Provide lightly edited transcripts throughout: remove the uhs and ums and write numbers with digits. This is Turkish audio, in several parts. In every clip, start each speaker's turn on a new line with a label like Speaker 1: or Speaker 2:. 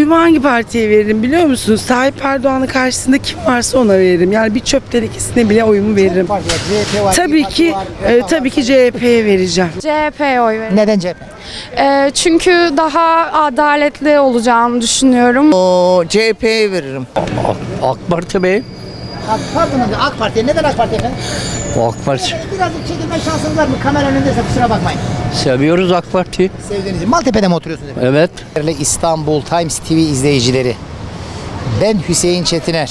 Speaker 1: oyumu hangi partiye veririm biliyor musunuz? Tayyip Erdoğan'ın karşısında kim varsa ona veririm. Yani bir çöp tenekesine bile oyumu veririm. Tabii ki CHP'ye vereceğim.
Speaker 2: CHP'ye oy veririm.
Speaker 3: Neden CHP?
Speaker 2: Çünkü daha adaletli olacağını düşünüyorum.
Speaker 4: CHP'ye veririm.
Speaker 5: AK Parti Bey.
Speaker 3: AK Parti'ye. Neden AK Parti efendim?
Speaker 5: AK Parti.
Speaker 3: Birazcık çekilme şansınız var mı? Kamera önündeyse kusura bakmayın.
Speaker 5: Seviyoruz AK Parti.
Speaker 3: Sevdiğiniz için. Maltepe'de mi oturuyorsunuz efendim?
Speaker 5: Evet.
Speaker 3: Değerli İstanbul Times TV izleyicileri, ben Hüseyin Çetiner.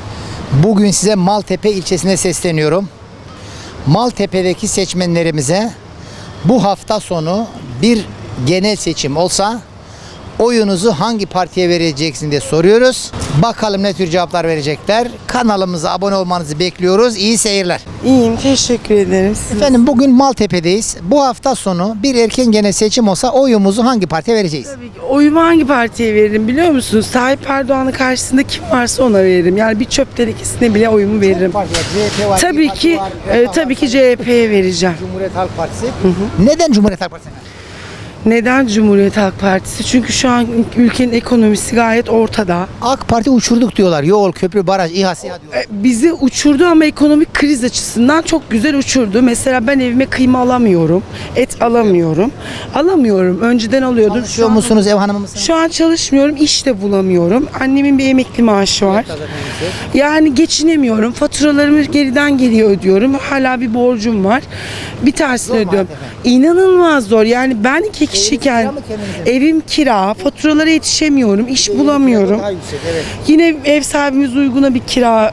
Speaker 3: Bugün size Maltepe ilçesine sesleniyorum. Maltepe'deki seçmenlerimize bu hafta sonu bir genel seçim olsa oyunuzu hangi partiye vereceksin diye soruyoruz. Bakalım ne tür cevaplar verecekler. Kanalımıza abone olmanızı bekliyoruz. İyi seyirler.
Speaker 1: İyiyim, teşekkür ederim.
Speaker 3: Efendim bugün Maltepe'deyiz. Bu hafta sonu bir erken genel seçim olsa oyumuzu hangi partiye vereceğiz?
Speaker 1: Tabii ki oyumu hangi partiye veririm biliyor musunuz? Tayyip Erdoğan'ın karşısında kim varsa ona veririm. Yani bir çöp tenekesine bile oyumu veririm.
Speaker 3: CHP var,
Speaker 1: Tabii ki CHP'ye vereceğim.
Speaker 3: Cumhuriyet Halk Partisi. Neden Cumhuriyet Halk Partisi?
Speaker 1: Neden Cumhuriyet Halk Partisi? Çünkü şu an ülkenin ekonomisi gayet ortada.
Speaker 3: AK Parti uçurduk diyorlar. Yol, köprü, baraj, İHA, SİHA diyorlar.
Speaker 1: Bizi uçurdu ama ekonomik kriz açısından çok güzel uçurdu. Mesela ben evime kıyma alamıyorum, et alamıyorum. Önceden alıyordum.
Speaker 3: Çalışıyor musunuz, ev hanımı mısınız?
Speaker 1: Şu an çalışmıyorum, iş de bulamıyorum. Annemin bir emekli maaşı var. Yani geçinemiyorum. Faturalarımı geriden geriye ödüyorum. Hala bir borcum var. Bir tanesini ödüyorum. İnanılmaz zor. Yani ben 2 kişiyken evim kira, faturalara yetişemiyorum, iş bulamıyorum. Yine ev sahibimiz uyguna bir kira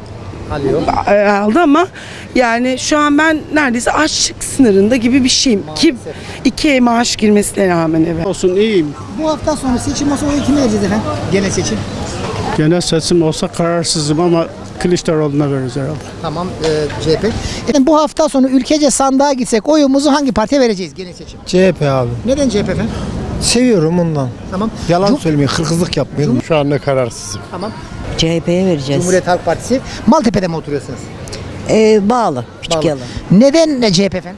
Speaker 1: aldı ama yani şu an ben neredeyse açlık sınırında gibi bir şeyim. Ki 2 maaş girmesine rağmen eve.
Speaker 6: Olsun iyiyim.
Speaker 3: Bu hafta sonu seçim olsa oyu kime vereceğiz efendim? Genel seçim.
Speaker 6: Genel seçim olsa kararsızım ama Kılıçdaroğlu'na veririz herhalde.
Speaker 3: Tamam, CHP. Efendim bu hafta sonu ülkece sandığa gitsek oyumuzu hangi partiye vereceğiz genel seçim?
Speaker 7: CHP abi.
Speaker 3: Neden CHP efendim?
Speaker 7: Seviyorum ondan.
Speaker 3: Tamam.
Speaker 7: Yalan söylemeyin, hırsızlık yapmayın. Şu anda kararsızım.
Speaker 3: Tamam.
Speaker 8: CHP'ye vereceğiz.
Speaker 3: Cumhuriyet Halk Partisi. Maltepe'de mi oturuyorsunuz?
Speaker 8: Bağlı. Küçük
Speaker 3: Bağlı.
Speaker 8: yalan.
Speaker 3: Neden CHP efendim?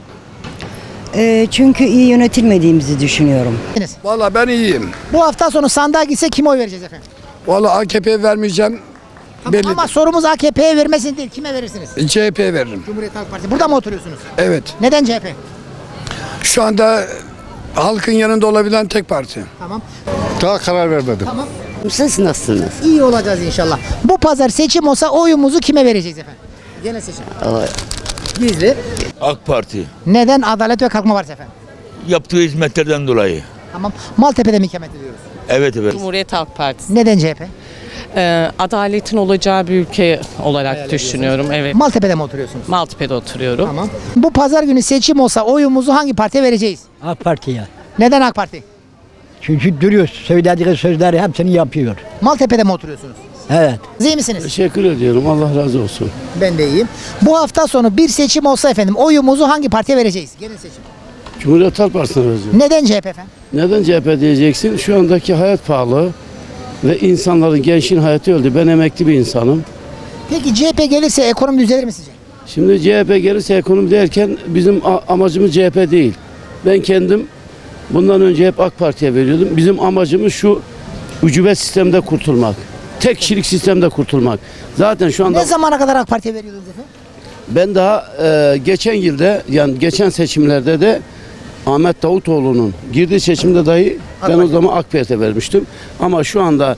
Speaker 8: Çünkü iyi yönetilmediğimizi düşünüyorum.
Speaker 9: Vallahi ben iyiyim.
Speaker 3: Bu hafta sonu sandığa gitsek kime oy vereceğiz efendim?
Speaker 9: Vallahi AKP'ye vermeyeceğim.
Speaker 3: Tamam,
Speaker 9: Belli.
Speaker 3: ama sorumuz AKP'ye vermesin değil. Kime verirsiniz?
Speaker 9: CHP'ye veririm.
Speaker 3: Cumhuriyet Halk Partisi. Burada mı oturuyorsunuz?
Speaker 9: Evet.
Speaker 3: Neden CHP?
Speaker 9: Şu anda halkın yanında olabilen tek parti.
Speaker 3: Tamam.
Speaker 7: Daha karar vermedim.
Speaker 3: Tamam.
Speaker 8: Siz nasılsınız?
Speaker 3: İyi olacağız inşallah. Bu pazar seçim olsa oyumuzu kime vereceğiz efendim? Genel seçim. Gizli.
Speaker 10: AK Parti
Speaker 3: Neden? Adalet ve Kalkınma Partisi efendim.
Speaker 10: yaptığı hizmetlerden dolayı.
Speaker 3: Tamam. Maltepe'de mi ikamet ediyoruz?
Speaker 10: Evet.
Speaker 11: Cumhuriyet Halk Partisi.
Speaker 3: Neden CHP?
Speaker 11: Adaletin olacağı bir ülke olarak düşünüyorum. Evet.
Speaker 3: Maltepe'de mi oturuyorsunuz?
Speaker 11: Maltepe'de oturuyorum.
Speaker 3: Tamam. Bu pazar günü seçim olsa oyumuzu hangi partiye vereceğiz?
Speaker 8: AK Parti'ye.
Speaker 3: Neden AK Parti?
Speaker 8: Çünkü duruyor. Söylediği sözleri hepsini yapıyor.
Speaker 3: Maltepe'de mi oturuyorsunuz?
Speaker 8: Evet.
Speaker 3: İyi misiniz?
Speaker 6: Teşekkür ediyorum. Allah razı olsun.
Speaker 3: Ben de iyiyim. Bu hafta sonu bir seçim olsa efendim oyumuzu hangi partiye vereceğiz? Genel seçim.
Speaker 6: Cumhuriyet Halk Partisi'ne vereceğim.
Speaker 3: Neden CHP efendim?
Speaker 6: Neden CHP diyeceksin? Şu andaki hayat pahalı ve insanların, gençliğin hayatı öldü. Ben emekli bir insanım.
Speaker 3: Peki CHP gelirse ekonomi düzelir mi sizce?
Speaker 6: Şimdi CHP gelirse ekonomi derken bizim amacımız CHP değil. Ben kendim bundan önce hep AK Parti'ye veriyordum. Bizim amacımız şu ücubet sistemde kurtulmak. Tek kişilik sistemde kurtulmak. Zaten şu anda
Speaker 3: Ne zamana kadar AK Parti'ye veriyordunuz efendim?
Speaker 6: ben daha geçen yılda, yani geçen seçimlerde de Ahmet Davutoğlu'nun girdiği seçimde dahi ben o zaman AK Parti'ye vermiştim. Ama şu anda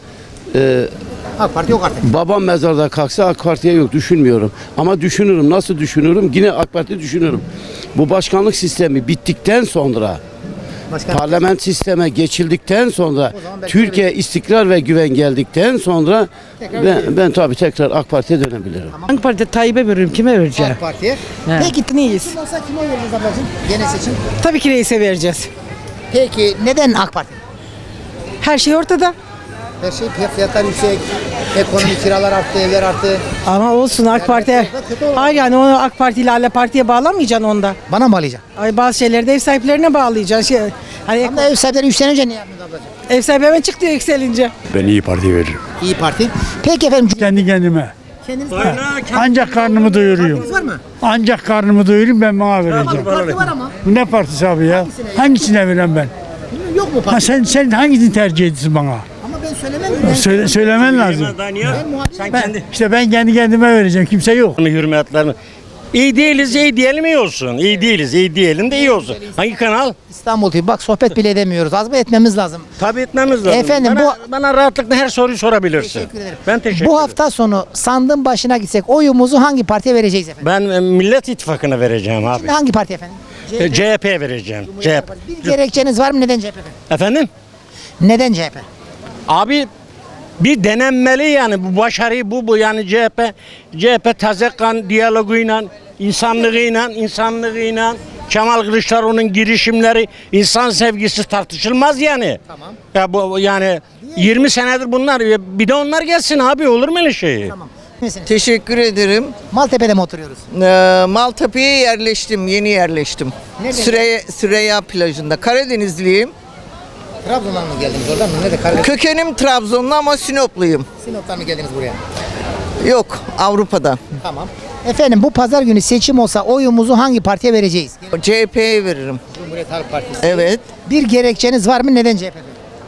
Speaker 3: AK Parti yok artık.
Speaker 6: babam mezarda kalksa AK Parti'ye yok, düşünmüyorum. Ama düşünürüm. Nasıl düşünürüm? Yine AK Parti düşünürüm. Bu başkanlık sistemi bittikten sonra, parlament sisteme geçildikten sonra, Türkiye istikrar ve güven geldikten sonra ben tabii tekrar AK Parti'ye dönebilirim.
Speaker 8: AK Parti Tayyip'e veririm. Kime vereceğim?
Speaker 3: AK Parti'ye.
Speaker 8: Peki neyiz?
Speaker 3: Seçim olsa kime oy vereceğiz ablacığım? Genel seçim.
Speaker 8: Tabii ki reise vereceğiz.
Speaker 3: Peki neden AK Parti?
Speaker 8: Her şey ortada.
Speaker 3: Her şey fiyatlar yüksek, ekonomi kiralar arttı, evler arttı.
Speaker 8: Ama olsun AK Parti. Hayır yani onu AK Parti ile partiye bağlamayacaksın onda.
Speaker 3: Bana mı bağlayacaksın?
Speaker 8: Ay bazı şeyleri de ev sahiplerine bağlayacaksın. Hani
Speaker 3: Ama ev sahipleri 3 sene önce ne yaptınız ablacığım?
Speaker 8: ev sahibi hemen çıktı yükselince.
Speaker 7: Ben iyi Parti veririm.
Speaker 3: İyi Parti. Peki efendim.
Speaker 7: Kendi kendime.
Speaker 3: Kendiniz var.
Speaker 7: Ancak karnımı doyuruyorum.
Speaker 3: Partiniz var mı?
Speaker 7: Ancak karnımı doyurayım, ben bana vereceğim.
Speaker 3: Parti var ama.
Speaker 7: Ne partisi abi ya? Hangisine verem ben?
Speaker 3: Yok mu
Speaker 7: Ha
Speaker 3: parti?
Speaker 7: sen hangisini tercih ediyorsun bana?
Speaker 3: Ama ben
Speaker 7: Söylemen lazım. Ben kendi kendime vereceğim. Kimse yok.
Speaker 5: Hürmetlerini. İyi değiliz, iyi diyelim iyi olsun. İyi değiliz, iyi diyelim de iyi olsun. Hangi kanal?
Speaker 3: İstanbul TV. Bak sohbet bile edemiyoruz. Az mı etmemiz lazım?
Speaker 5: Tabii etmemiz lazım.
Speaker 3: Efendim,
Speaker 5: bana rahatlıkla her soruyu sorabilirsin.
Speaker 3: Teşekkür ederim.
Speaker 5: Ben teşekkür
Speaker 3: Bu
Speaker 5: ederim.
Speaker 3: hafta sonu sandığın başına gitsek oyumuzu hangi partiye vereceğiz efendim?
Speaker 5: Ben Millet İttifakı'na vereceğim abi.
Speaker 3: Hangi parti efendim?
Speaker 5: CHP'ye vereceğim. CHP.
Speaker 3: Bir gerekçeniz var mı? Neden CHP efendim?
Speaker 5: Efendim?
Speaker 3: Neden CHP?
Speaker 5: Abi bir denenmeli yani bu başarıyı bu yani CHP taze kan diyaloguyla insanlığıyla Kemal Kılıçdaroğlu'nun girişimleri insan sevgisi tartışılmaz yani.
Speaker 3: Tamam.
Speaker 5: Ya bu yani 20 senedir bunlar bir de onlar gelsin abi olur mu öyle şey?
Speaker 3: Tamam. Misiniz?
Speaker 4: Teşekkür ederim.
Speaker 3: Maltepe'de mi oturuyoruz?
Speaker 4: Maltepe'ye yerleştim, yeni yerleştim.
Speaker 3: Nerede?
Speaker 4: Süreyya plajında. Karadenizliyim.
Speaker 3: Trabzon'dan mı geldiniz oradan mı? Nerede? Karadeniz.
Speaker 4: Kökenim Trabzonlu ama Sinopluyum.
Speaker 3: Sinop'tan mı geldiniz buraya?
Speaker 4: Yok, Avrupa'dan.
Speaker 3: Tamam. Efendim bu pazar günü seçim olsa oyumuzu hangi partiye vereceğiz?
Speaker 4: CHP'ye veririm.
Speaker 3: Cumhuriyet Halk Partisi.
Speaker 4: Evet.
Speaker 3: Bir gerekçeniz var mı? Neden CHP efendim?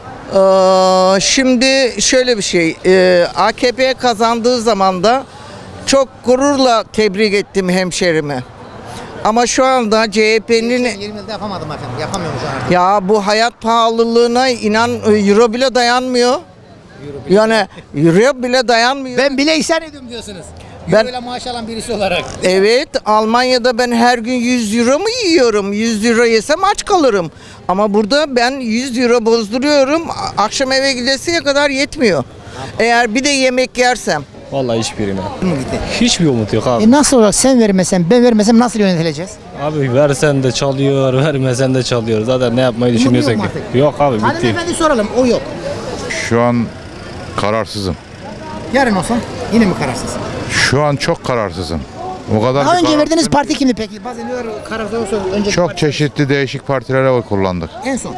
Speaker 4: Şimdi şöyle bir şey. AKP kazandığı zaman da çok gururla tebrik ettim hemşerimi. Ama şu anda CHP'nin
Speaker 3: 20 yılda yapamadım efendim. Yapamıyorum şu an artık.
Speaker 4: ya bu hayat pahalılığına inan euro bile dayanmıyor. Yani euro bile dayanmıyor.
Speaker 3: Ben bile isyan ediyorum diyorsunuz.
Speaker 4: Ben-
Speaker 3: Euro'yla maaş alan birisi olarak.
Speaker 4: Evet, Almanya'da ben her gün 100 euro mu yiyorum? 100 euro yesem aç kalırım. Ama burada ben 100 euro bozduruyorum. Akşam eve gidesiye kadar yetmiyor. Eğer bir de yemek yersem.
Speaker 5: Vallahi hiçbirine.
Speaker 3: Mı gitti?
Speaker 5: Hiçbir umut yok abi.
Speaker 3: Nasıl olacak? Sen vermesen, ben vermesem nasıl yönetileceğiz?
Speaker 5: Abi versen de çalıyor, vermesen de çalıyor. Zaten ne yapmayı
Speaker 3: düşünüyorsak yok mu artık?
Speaker 5: Yok abi
Speaker 3: Hanımefendi soralım. O yok.
Speaker 12: Şu an kararsızım.
Speaker 3: Yarın olsa yine mi kararsız?
Speaker 12: Şu an çok kararsızım. O kadar
Speaker 3: Daha
Speaker 12: bir
Speaker 3: önce
Speaker 12: kararsızım
Speaker 3: verdiğiniz
Speaker 12: ki
Speaker 3: parti kimdi peki? Bazen diyorlar kararsız olsa önceki
Speaker 12: çok
Speaker 3: parti.
Speaker 12: çeşitli değişik partilere oy kullandık.
Speaker 3: En son.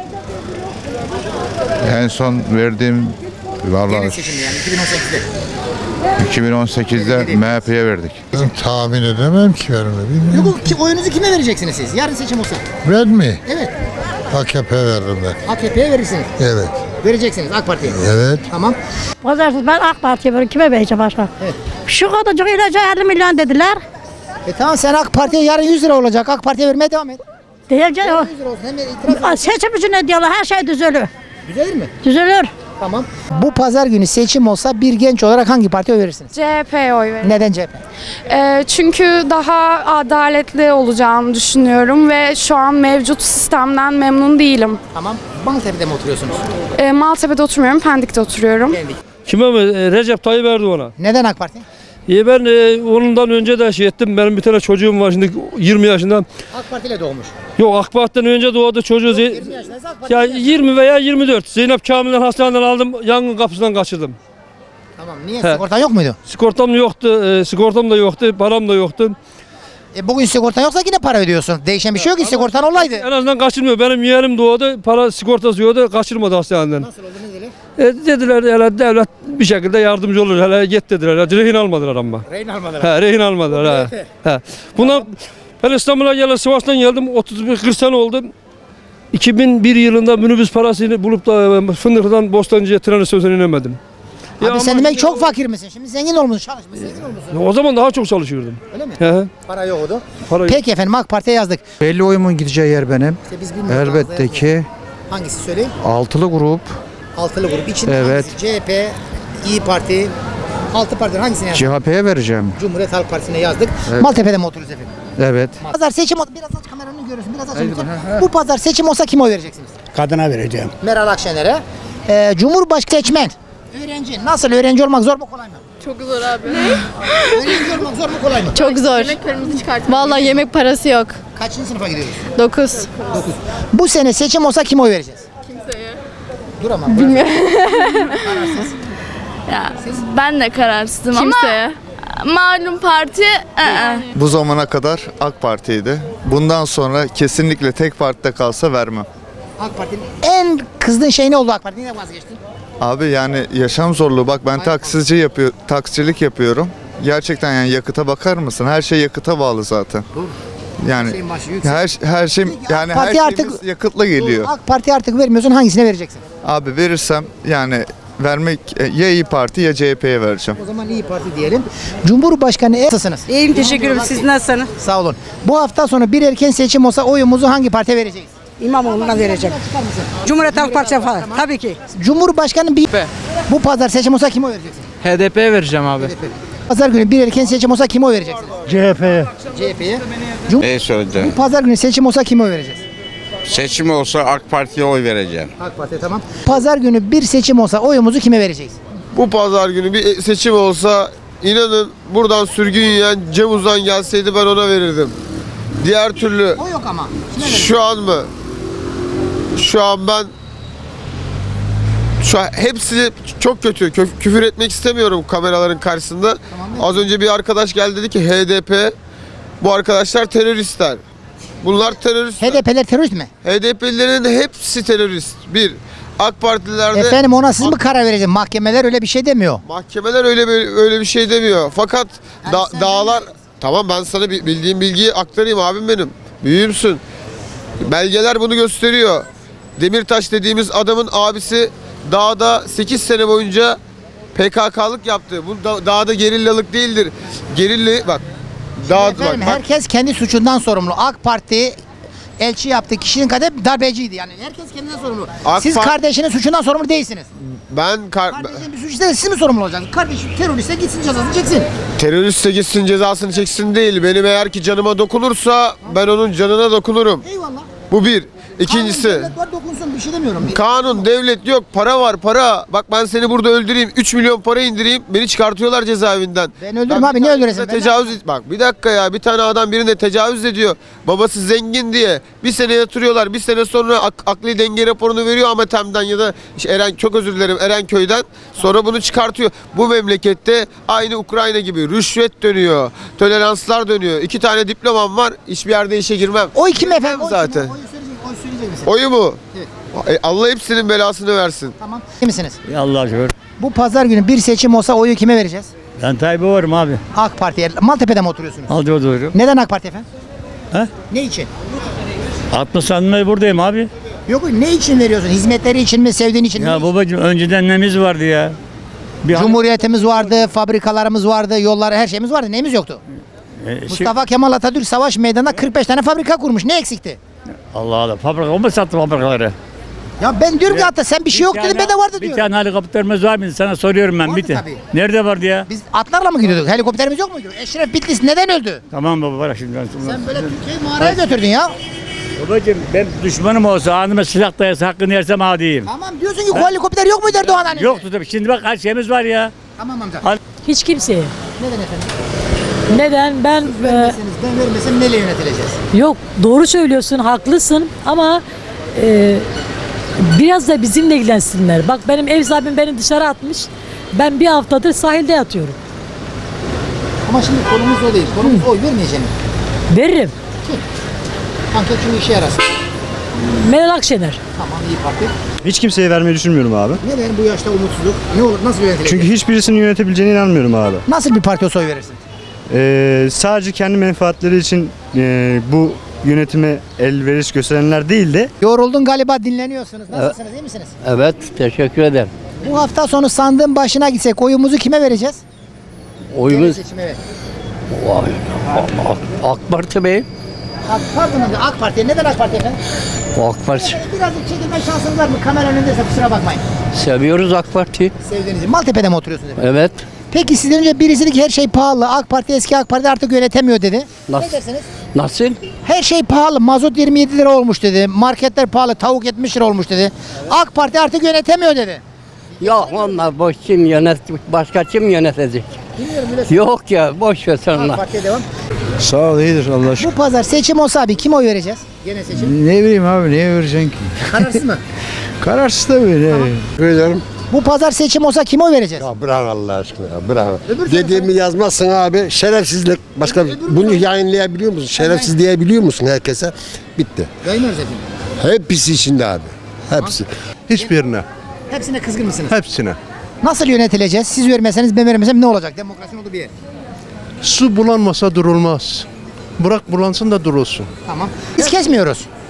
Speaker 12: En son verdiğim
Speaker 3: Genel
Speaker 12: vallahi
Speaker 3: seçimde yani 2018'de.
Speaker 12: 2018'de MHP'ye verdik.
Speaker 9: Tahmin edemem ki ben onu bilmiyorum.
Speaker 3: Yok ki oyunuzu kime vereceksiniz siz? Yarın seçim olsa.
Speaker 9: Ben mi?
Speaker 3: Evet.
Speaker 9: AKP veririm ben.
Speaker 3: AKP'ye verirsiniz.
Speaker 9: Evet.
Speaker 3: Vereceksiniz AK Parti'ye.
Speaker 9: Evet.
Speaker 3: Tamam.
Speaker 8: Pazarsız ben AK Parti'ye veririm. Kime vereceğim başka?
Speaker 3: Evet.
Speaker 8: Şu kadarcık ilaca 50 milyon dediler.
Speaker 3: Tamam sen AK Parti'ye yarın 100 lira olacak. AK Parti'ye vermeye devam et.
Speaker 8: Diyeceğim.
Speaker 3: 100 lira olsun. Hem de itiraz
Speaker 8: Seçim için ne diyorlar? Her şey düzelir.
Speaker 3: Düzelir mi?
Speaker 8: Düzelir.
Speaker 3: Tamam. Bu pazar günü seçim olsa bir genç olarak hangi partiye oy verirsiniz?
Speaker 2: CHP'ye oy veririm.
Speaker 3: Neden CHP?
Speaker 2: Çünkü daha adaletli olacağını düşünüyorum ve şu an mevcut sistemden memnun değilim.
Speaker 3: Tamam. Maltepe'de mi oturuyorsunuz?
Speaker 2: Maltepe'de oturmuyorum, Pendik'te oturuyorum.
Speaker 5: Kime mi? Recep Tayyip Erdoğan'a.
Speaker 3: Neden AK Parti?
Speaker 5: Ben onundan önce de şey ettim. Benim bir tane çocuğum var şimdi 20 yaşında.
Speaker 3: AK Parti ile doğmuş.
Speaker 5: Yok AK Parti'den önce doğdu çocuğu.
Speaker 3: 20 yaşındaysa AK Parti.
Speaker 5: Ya 20 veya 24. Zeynep Kamil'den hastaneden aldım. Yangın kapısından kaçırdım.
Speaker 3: Tamam. Niye? Sigortan yok muydu?
Speaker 5: Sigortam yoktu. Sigortam da yoktu. Param da yoktu.
Speaker 3: Bugün sigortan yoksa yine para ödüyorsun. Değişen bir şey yok ki sigortan olaydı.
Speaker 5: En azından kaçırmıyor. Benim yeğenim doğdu. Para sigortası yoktu. Kaçırmadı hastaneden.
Speaker 3: Nasıl oldu ne dediler?
Speaker 5: Dediler hele devlet bir şekilde yardımcı olur. Hele git dediler. Rehin almadılar ama.
Speaker 3: Rehin almadılar.
Speaker 5: Rehin almadılar. Bundan ben İstanbul'a geldim. Sivas'tan geldim. 31-40 sene oldu. 2001 yılında minibüs parasını bulup da Fındıklı'dan Bostancı'ya tren istasyonuna inemedim.
Speaker 3: Abi sen demek çok fakir misin? Şimdi zengin olmuşsun, çalışmışsın, zengin olmuşsun.
Speaker 5: O zaman daha çok çalışıyordum.
Speaker 3: Öyle mi?
Speaker 5: He.
Speaker 3: Para yoktu.
Speaker 5: Para yok.
Speaker 3: Peki efendim AK Parti'ye yazdık.
Speaker 7: Belli oyumun gideceği yer benim.
Speaker 3: İşte biz bilmiyoruz.
Speaker 7: Elbette ki
Speaker 3: Hangisi söyleyeyim?
Speaker 7: altılı grup.
Speaker 3: Altılı grup. İçinde
Speaker 7: Evet.
Speaker 3: hangisi? CHP, İyi Parti, Altı Parti'den hangisini yazdık?
Speaker 7: CHP'ye vereceğim.
Speaker 3: Cumhuriyet Halk Partisi'ne yazdık. Maltepe'de mi oturuyoruz efendim?
Speaker 7: Evet.
Speaker 3: Pazar seçim olsa biraz aç kameranı görüyorsun. Biraz aç lütfen. Bu pazar seçim olsa kime oy vereceksiniz?
Speaker 7: Kadına vereceğim.
Speaker 3: Meral Akşener'e. Cumhurbaşkanı seçmen. Öğrenci. Nasıl? Öğrenci olmak zor mu kolay mı?
Speaker 2: Çok zor abi.
Speaker 3: Öğrenci olmak zor mu kolay mı?
Speaker 2: Çok zor. Yemeklerimizi çıkarttık. Vallahi yemek parası yok.
Speaker 3: Kaçıncı sınıfa gidiyoruz?
Speaker 2: 9.
Speaker 3: 9. Bu sene seçim olsa kime oy vereceğiz?
Speaker 2: Kimseye.
Speaker 3: Dur ama.
Speaker 2: Bilmiyorum. Ya, ben de kararsızım Kimseye. Ama malum parti
Speaker 12: Bu zamana kadar AK Parti'ydi. Bundan sonra kesinlikle tek partide kalsa vermem.
Speaker 3: AK Parti'nin en kızdığın şey ne oldu AK Parti? Niye vazgeçtin?
Speaker 12: Abi yani yaşam zorluğu. Bak ben taksicilik yapıyorum. Gerçekten yani yakıta bakar mısın? Her şey yakıta bağlı zaten. Yani
Speaker 3: Şeyin başı yüksek.
Speaker 12: her şey
Speaker 3: Peki,
Speaker 12: yani
Speaker 3: AK
Speaker 12: her
Speaker 3: Parti
Speaker 12: şeyimiz
Speaker 3: artık-
Speaker 12: yakıtla geliyor.
Speaker 3: AK Parti artık vermiyorsun hangisine vereceksin?
Speaker 12: Abi verirsem yani vermek ya İyi Parti ya CHP'ye vereceğim.
Speaker 3: O zaman İyi Parti diyelim. Cumhurbaşkanı nasılsınız?
Speaker 8: İyiyim teşekkür ederim. Siz nasılsınız?
Speaker 3: Sağ olun. Bu hafta sonu bir erken seçim olsa oyumuzu hangi partiye vereceğiz?
Speaker 8: İmamoğlu'na vereceğim. Cumhuriyet Halk Partisi falan. Tabii ki.
Speaker 3: Cumhurbaşkanı bu pazar seçim olsa kime oy vereceksin?
Speaker 5: HDP'ye vereceğim abi.
Speaker 3: Pazar günü bir erken seçim olsa kime oy vereceksiniz?
Speaker 7: CHP'ye.
Speaker 3: CHP'ye.
Speaker 13: Ne söyledi?
Speaker 3: Bu pazar günü seçim olsa kime oy vereceğiz?
Speaker 13: Seçim olsa AK Parti'ye oy vereceğim.
Speaker 3: AK Parti tamam. Pazar günü bir seçim olsa oyumuzu kime vereceğiz?
Speaker 5: Bu pazar günü bir seçim olsa inanın buradan sürgün yiyen Cem Uzan gelseydi ben ona verirdim. Diğer türlü
Speaker 3: O yok ama.
Speaker 5: şu an mı? Şu an ben hepsi çok kötü. Küfür etmek istemiyorum kameraların karşısında. Az önce bir arkadaş geldi dedi ki HDP bu arkadaşlar teröristler. Bunlar terörist.
Speaker 3: HDP'ler terörist mi?
Speaker 5: HDP'lilerin hepsi terörist. Bir. AK Partililerde
Speaker 3: Efendim ona siz mi karar vereceksiniz? Mahkemeler öyle bir şey demiyor.
Speaker 5: mahkemeler öyle bir şey demiyor. Fakat dağlar tamam ben sana bildiğim bilgiyi aktarayım abim benim. Büyüğümsün. Belgeler bunu gösteriyor. Demirtaş dediğimiz adamın abisi dağda 8 sene boyunca PKK'lık yaptı. Bu dağda gerillalık değildir. Gerilla bak.
Speaker 3: Efendim herkes kendi suçundan sorumlu. AK Parti elçi yaptı kişinin kadar darbeciydi yani. Herkes kendinden sorumlu. Siz kardeşinin suçundan sorumlu değilsiniz. Kardeşinin bir suç işlese siz mi sorumlu olacaksınız? Kardeşim teröriste gitsin cezasını çeksin.
Speaker 5: Teröriste gitsin cezasını çeksin değil. Benim eğer ki canıma dokunursa ben onun canına dokunurum.
Speaker 3: Eyvallah.
Speaker 5: Bu bir. İkincisi.
Speaker 3: Devlet var dokunsun bir şey demiyorum.
Speaker 5: Kanun, devlet yok, para var, para. Bak ben seni burada öldüreyim, 3 milyon para indireyim, beni çıkartıyorlar cezaevinden.
Speaker 3: Ben öldürürüm abi, niye öldüresin?
Speaker 5: Bak bir dakika ya, bir tane adam birine tecavüz ediyor. Babası zengin diye. Bir sene yatırıyorlar, bir sene sonra akli denge raporunu veriyor Amatem'den ya da çok özür dilerim Erenköy'den. Sonra bunu çıkartıyor. Bu memlekette aynı Ukrayna gibi rüşvet dönüyor, toleranslar dönüyor. 2 tane diplomam var, hiçbir yerde işe girmem.
Speaker 3: Oy kim efendim?
Speaker 5: Zaten.
Speaker 3: Oy söyleyecek misin?
Speaker 5: Oyu mu?
Speaker 3: Evet.
Speaker 5: Allah hepsinin belasını versin.
Speaker 3: Tamam. İyi misiniz?
Speaker 7: Allah'a şükür.
Speaker 3: Bu pazar günü bir seçim olsa oyu kime vereceğiz?
Speaker 7: Ben Tayyip'e varım abi.
Speaker 3: AK Parti'ye. Maltepe'de mi oturuyorsunuz?
Speaker 7: Aldı doğru.
Speaker 3: Neden AK Parti efendim?
Speaker 7: He?
Speaker 3: Ne için?
Speaker 7: 60 sanımda buradayım abi.
Speaker 3: Yok ne için veriyorsun? Hizmetleri için mi, sevdiğin için mi?
Speaker 7: Ya babacığım önceden nemiz vardı ya.
Speaker 3: Cumhuriyetimiz vardı, fabrikalarımız vardı, yollar, her şeyimiz vardı. Neyimiz yoktu? Mustafa Kemal Atatürk savaş meydanında 45 tane fabrika kurmuş. Ne eksikti?
Speaker 7: Allah Allah. Fabrika o mu sattı fabrikaları?
Speaker 3: Ya ben diyorum ki hatta sen bir şey yok dedin, ben de vardı
Speaker 7: Bir
Speaker 3: diyorum.
Speaker 7: tane helikopterimiz var mıydı? Sana soruyorum ben.
Speaker 3: Vardı
Speaker 7: Bir tane.
Speaker 3: tabii.
Speaker 7: Nerede vardı ya?
Speaker 3: Biz atlarla mı gidiyorduk? Helikopterimiz yok muydu? Eşref Bitlis neden öldü?
Speaker 7: Tamam baba bırak şimdi.
Speaker 3: Sen böyle Türkiye'yi mağaraya götürdün ya.
Speaker 7: Babacığım ben düşmanım olsa anıma silah dayası hakkını yersem adiyim.
Speaker 3: Tamam diyorsun ki o helikopter yok muydu Erdoğan hani?
Speaker 7: Yoktu tabii. Şimdi bak her şeyimiz var ya.
Speaker 3: Tamam amca.
Speaker 14: Hiç kimseye.
Speaker 3: Neden efendim?
Speaker 14: Neden? Ben
Speaker 3: Ben vermesem neyle yönetileceğiz?
Speaker 14: yok doğru söylüyorsun, haklısın ama biraz da bizimle ilgilensinler. Bak benim ev sahibim beni dışarı atmış. Ben bir haftadır sahilde yatıyorum.
Speaker 3: Ama şimdi konumuz o değil. Konumuz oy vermeyeceğim.
Speaker 14: Veririm.
Speaker 3: Anket çünkü işe yarasın.
Speaker 14: Meral Akşener.
Speaker 3: Tamam iyi parti.
Speaker 15: Hiç kimseye vermeyi düşünmüyorum abi.
Speaker 3: Neden bu yaşta umutsuzluk? Ne olur nasıl yönetilecek?
Speaker 15: Çünkü hiçbirisinin yönetebileceğine inanmıyorum abi.
Speaker 3: Nasıl bir parti olsa oy verirsin?
Speaker 15: Sadece kendi menfaatleri için bu yönetime elveriş gösterenler değil de.
Speaker 3: Yoruldun galiba, dinleniyorsunuz. Nasılsınız, iyi misiniz?
Speaker 7: Evet teşekkür ederim.
Speaker 3: Bu hafta sonu sandığın başına gitsek oyumuzu kime vereceğiz?
Speaker 7: Oyumuz
Speaker 3: Seçime ver.
Speaker 7: AK Parti Bey.
Speaker 3: Pardon amca, AK Parti'ye. Neden AK Parti efendim?
Speaker 7: AK Parti.
Speaker 3: Birazcık çekilme şansınız var mı? Kamera önündeyse kusura bakmayın.
Speaker 7: Seviyoruz AK Parti.
Speaker 3: Sevdiğinizi. Maltepe'de mi oturuyorsunuz efendim?
Speaker 7: Evet.
Speaker 3: Peki sizden önce birisi dedi ki her şey pahalı. AK Parti eski AK Parti artık yönetemiyor dedi.
Speaker 7: Nasıl?
Speaker 3: Ne dersiniz?
Speaker 7: Nasıl?
Speaker 3: Her şey pahalı. Mazot 27 lira olmuş dedi. Marketler pahalı. Tavuk 70 lira olmuş dedi. AK Parti artık yönetemiyor dedi.
Speaker 7: Yok onlar boş kim başka kim yönetecek?
Speaker 3: Bilmiyorum öyle.
Speaker 7: Yok ya boş ver sen
Speaker 3: AK Parti'ye devam.
Speaker 15: Sağ ol iyidir Allah
Speaker 3: Bu pazar seçim olsa abi kime oy vereceğiz? Gene seçim.
Speaker 15: Ne bileyim abi neye vereceksin ki?
Speaker 3: Kararsız mı?
Speaker 15: Kararsız tabii.
Speaker 9: Ederim.
Speaker 3: Bu pazar seçim olsa kime oy vereceğiz?
Speaker 9: Ya bırak Allah aşkına ya bırak.
Speaker 3: Öbür
Speaker 9: Dediğimi yazmazsın abi. Şerefsizlik. Başka bunu yayınlayabiliyor musun? Şerefsiz diyebiliyor musun herkese? Bitti.
Speaker 3: Yayınlarız efendim.
Speaker 9: Hepsi içinde abi. Hepsi. Hiçbirine.
Speaker 3: Hepsine kızgın mısınız?
Speaker 9: Hepsine.
Speaker 3: Nasıl yönetileceğiz? Siz vermeseniz ben vermesem ne olacak? Demokrasinin olduğu bir yer.
Speaker 9: Su bulanmasa durulmaz. Bırak bulansın da durulsun.
Speaker 3: Tamam. Biz kesmiyoruz.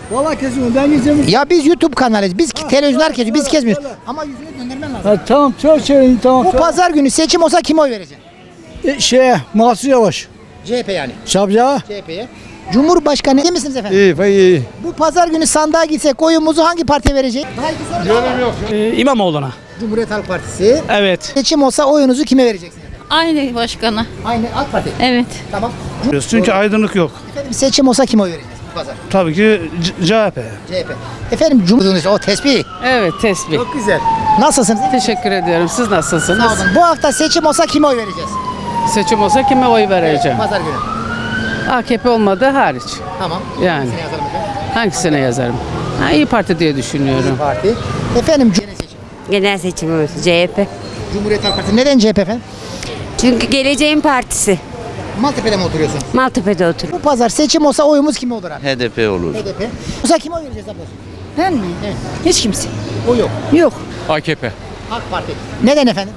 Speaker 7: Vallahi kesin ben izlemiyorum.
Speaker 3: Ya biz YouTube kanalıyız. Biz televizyonlar kesiyoruz. Biz kesmiyoruz. Ama yüzünü döndürmen lazım.
Speaker 7: Ha, tamam söyleyeyim tamam.
Speaker 3: Bu pazar günü seçim olsa kime oy vereceksin?
Speaker 7: Mahsur Yavaş.
Speaker 3: CHP yani.
Speaker 7: Sabca.
Speaker 3: CHP'ye. Cumhurbaşkanı değil misiniz efendim?
Speaker 7: İyi.
Speaker 3: Bu pazar günü sandığa gitsek oyumuzu hangi partiye vereceğiz?
Speaker 7: İmamoğlu'na.
Speaker 3: Cumhuriyet Halk Partisi.
Speaker 7: Evet.
Speaker 3: Seçim olsa oyunuzu kime vereceksiniz?
Speaker 14: Aynı başkana.
Speaker 3: Aynı AK Parti.
Speaker 14: Evet.
Speaker 3: Tamam.
Speaker 7: Çünkü aydınlık yok.
Speaker 3: Efendim seçim olsa kime oy vereceğiz bu pazar?
Speaker 7: Tabii ki CHP.
Speaker 3: CHP. Efendim Cumhurbaşkanı o tespih.
Speaker 11: Evet, tespih.
Speaker 3: Çok güzel. Nasılsınız?
Speaker 11: Teşekkür ediyorum. Siz nasılsınız?
Speaker 3: Sağ olun. Bu hafta seçim olsa kime oy vereceğiz?
Speaker 11: Seçim olsa kime oy vereceğim?
Speaker 3: Pazar günü.
Speaker 11: AKP olmadığı hariç.
Speaker 3: Tamam.
Speaker 11: Yani.
Speaker 3: Hangisini yazalım efendim?
Speaker 11: Hangisine yazarım? İyi Parti diye düşünüyorum.
Speaker 3: İYİ Parti. Efendim seçim.
Speaker 16: Genel seçimimiz CHP.
Speaker 3: Cumhuriyet Halk Partisi. Neden CHP efendim?
Speaker 16: Çünkü geleceğin partisi.
Speaker 3: Maltepe'de mi oturuyorsun?
Speaker 16: Maltepe'de otur.
Speaker 3: Bu pazar seçim olsa oyumuz kime olur abi?
Speaker 13: HDP olur.
Speaker 3: HDP. Olsa kime oy vereceğiz abla?
Speaker 16: Ben mi?
Speaker 3: Evet.
Speaker 16: Hiç kimse.
Speaker 3: O yok.
Speaker 16: Yok.
Speaker 13: AKP.
Speaker 3: AK Parti. Neden efendim?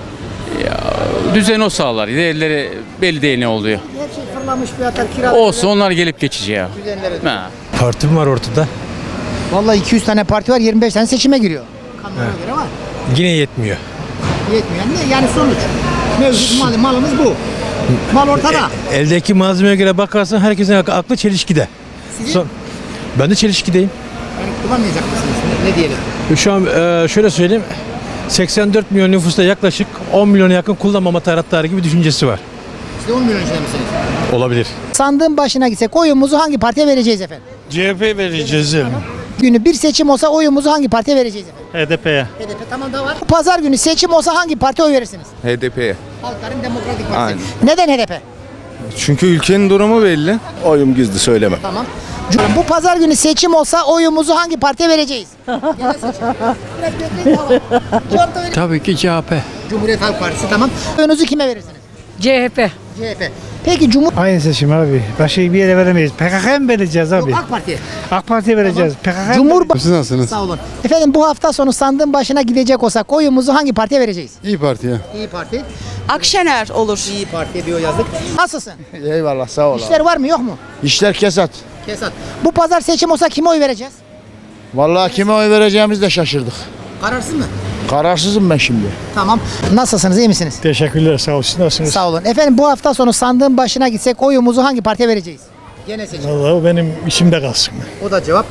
Speaker 13: Düzen o sağlar. Diğerleri belli değil ne oluyor.
Speaker 3: Her şey fırlamış fiyatlar kiralar.
Speaker 13: Olsun onlar gelip geçici ya.
Speaker 3: Düzenleri.
Speaker 13: Ha.
Speaker 7: Partim var ortada.
Speaker 3: Vallahi 200 tane parti var 25 tane seçime giriyor. Kanuna göre var.
Speaker 7: Yine yetmiyor.
Speaker 3: Yetmiyor. Niye? Yani sonuç. Mevcut malımız bu. Mal ortada.
Speaker 7: Eldeki malzemeye göre bakarsan herkesin aklı çelişkide.
Speaker 3: Sizin
Speaker 7: Ben de çelişkideyim.
Speaker 3: yani kullanmayacak mısınız? Ne diyelim?
Speaker 7: Şu an şöyle söyleyeyim. 84 milyon nüfusta yaklaşık 10 milyona yakın kullanmama taraftarı gibi düşüncesi var.
Speaker 3: Siz de 10 milyon içinde misiniz?
Speaker 7: Olabilir.
Speaker 3: Sandığın başına gitsek oyumuzu hangi partiye vereceğiz efendim?
Speaker 7: CHP vereceğiz.
Speaker 3: Günü bir seçim olsa oyumuzu hangi partiye vereceğiz efendim?
Speaker 7: HDP'ye.
Speaker 3: HDP tamam da var. Bu pazar günü seçim olsa hangi partiye oy verirsiniz?
Speaker 12: HDP'ye.
Speaker 3: Halkların Demokratik Partisi.
Speaker 12: Aynen.
Speaker 3: Neden HDP?
Speaker 12: Çünkü ülkenin durumu belli.
Speaker 9: Oyum gizli söyleme.
Speaker 3: Tamam. Bu pazar günü seçim olsa oyumuzu hangi partiye vereceğiz? Genel seçim. Biraz bekleyin tamam. Cevap da verin.
Speaker 7: Tabii ki CHP.
Speaker 3: Cumhuriyet Halk Partisi tamam. Oyunuzu kime verirsiniz?
Speaker 14: CHP.
Speaker 3: CHP. Peki
Speaker 7: Aynı seçim abi. Başka bir yere veremeyiz. PKK'ya mı vereceğiz abi?
Speaker 3: AK Parti'ye.
Speaker 7: AK Parti'ye vereceğiz. PKK'ya
Speaker 3: Cumhurbaşkanı.
Speaker 9: Siz nasılsınız?
Speaker 3: Sağ olun. Efendim bu hafta sonu sandığın başına gidecek olsak oyumuzu hangi partiye vereceğiz?
Speaker 9: İyi Parti'ye.
Speaker 3: İyi Parti.
Speaker 16: Akşener olur.
Speaker 3: İyi Parti diyor yazdık. Nasılsın?
Speaker 9: Eyvallah sağ ol.
Speaker 3: İşler var mı yok mu?
Speaker 9: İşler kesat.
Speaker 3: Kesat. Bu pazar seçim olsa kime oy vereceğiz?
Speaker 9: Vallahi kime oy vereceğimizi de şaşırdık.
Speaker 3: Kararsız mı?
Speaker 9: Kararsızım ben şimdi.
Speaker 3: Tamam. Nasılsınız? İyi misiniz?
Speaker 7: Teşekkürler sağ olsun. Nasılsınız?
Speaker 3: Sağ olun. Efendim bu hafta sonu sandığın başına gitsek oyumuzu hangi partiye vereceğiz? Gene seçim.
Speaker 7: Vallahi o benim içimde kalsın.
Speaker 3: O da cevap.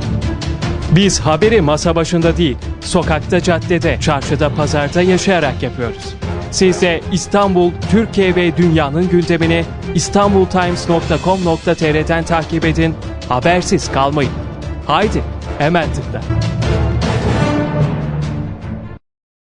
Speaker 17: Biz haberi masa başında değil, sokakta, caddede, çarşıda, pazarda yaşayarak yapıyoruz. Siz de İstanbul, Türkiye ve dünyanın gündemini istanbultimes.com.tr'den takip edin, habersiz kalmayın. Haydi, hemen tıkla.